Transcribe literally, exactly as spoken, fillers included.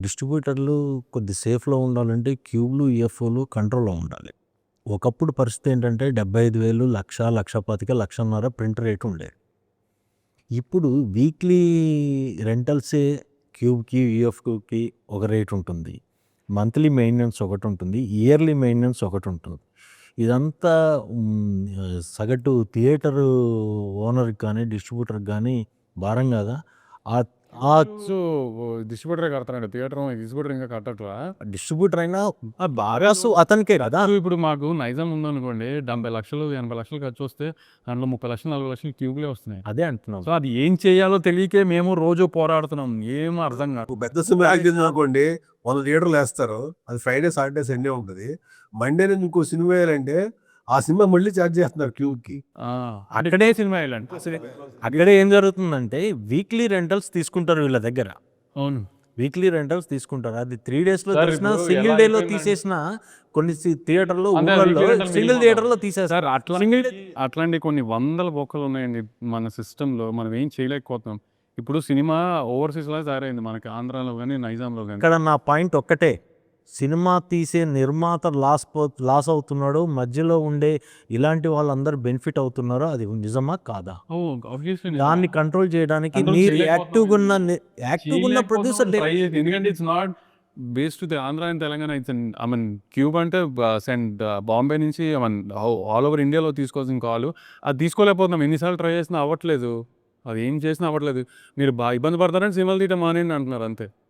డిస్ట్రిబ్యూటర్లు కొద్ది సేఫ్‌లో ఉండాలంటే క్యూబ్‌లు, ఈఎఫ్ఓలు కంట్రోల్‌లో ఉండాలి. ఒకప్పుడు పరిస్థితి ఏంటంటే డెబ్బై ఐదు వేలు, లక్ష, లక్ష పాతిక, లక్షన్నర ప్రింట్ రేట్ ఉండేది. ఇప్పుడు వీక్లీ రెంటల్సే క్యూబ్‌కి, ఈఎఫ్‌కి ఒక రేట్ ఉంటుంది. మంత్లీ మెయింటెనెన్స్ ఒకటి ఉంటుంది. ఇయర్లీ మెయింటెనెన్స్ ఒకటి ఉంటుంది. ఇదంతా హ్మ్, సగటు థియేటరు ఓనర్‌కి కానీ, డిస్ట్రిబ్యూటర్‌కి కానీ భారం కాదా? ఆ ఆ సో డిస్ట్రిబ్యూటరే కడతారండి థియేటర్ డిస్ట్రిబ్యూటర్ ఇంకా కట్టట్లా. డిస్ట్రిబ్యూటర్ అయినా ఆ బాగా సో అతనికే కదా! సో ఇప్పుడు మాకు నైజాం ఉందనుకోండి, డెబ్బై లక్షలు, ఎనభై లక్షలు ఖర్చు వస్తే దాంట్లో ముప్పై లక్షలు, నలభై లక్షలు ట్యూబ్‌లే వస్తున్నాయి. అదే అంటున్నాం. సో అది ఏం చేయాలో తెలియకే మేము రోజు పోరాడుతున్నాం. ఏం అర్థం కాదు. పెద్ద సినిమా యాక్ట్ చేసిందనుకోండి, వంద థియేటర్లు వేస్తారు. అది ఫ్రైడే, సాటర్డే, సండే ఉంటుంది. మండే నుంచి ఇంకో సినిమా వేయాలంటే ఆ సినిమా మళ్ళీ ఛార్జ్ చేస్తున్నారు క్యూబ్‌కి. ఆ, అక్కడే సినిమా వేయాలండి. అక్కడ ఏం జరుగుతుందంటే వీక్లీ రెంటల్స్ తీసుకుంటారు వీళ్ళ దగ్గర. అవును. వీక్లీ రెంటల్స్ తీసుకుంటారు. అది త్రీ డేస్‌లో సార్ తీసినా, ఇప్పుడు సింగిల్ ఎలా డేలో అయిపోయిందంటే- తీసేసిన కొన్ని సి థియేటర్‌లో అంటే ఊర్లలో weekly rental సింగిల్ minimum. థియేటర్‌లో తీసేస్తారు. సార్ అట్లా అట్లాంటి కొన్ని వందల బొక్కలు ఉన్నాయండి మన సిస్టంలో. మనం ఏం చేయలేకపోతున్నాం. ఇప్పుడు సినిమా ఓవర్సీస్‌లో తయారైంది మనకి ఆంధ్రాలో కానీ, నైజాంలో కానీ. ఇక్కడ నా పాయింట్ ఒక్కటే. సినిమా తీసే నిర్మాత లాస్ పో లాస్ అవుతున్నాడు. మధ్యలో ఉండే ఇలాంటి వాళ్ళందరూ బెనిఫిట్ అవుతున్నారో అది నిజమా కాదా? ఓ ఆబ్వియస్లీ దాన్ని కంట్రోల్ చేయడానికి Control మీరు చేయలేకపోతున్నాం. యాక్టివ్‌గా ఉన్న యాక్టివ్‌గా ఉన్న ప్రొడ్యూసర్ ట్రై చేసి, ఎందుకంటే it's not based to Andhra and Telangana. It's I mean cube అంటే సెండ్ బాంబే నుంచి ఐ మీన్ ఆల్ ఓవర్ ఇండియాలో తీసుకోవాల్సిన కాల్ అది తీసుకోలేకపోతున్నాం. ఎన్నిసార్లు ట్రై చేసినా అవ్వట్లేదు. అది ఏం చేసినా అవ్వట్లేదు. మీరు బాగా ఇబ్బంది పడతారని సినిమాలు తీయటం మానేయండి అంటున్నారు అంతే.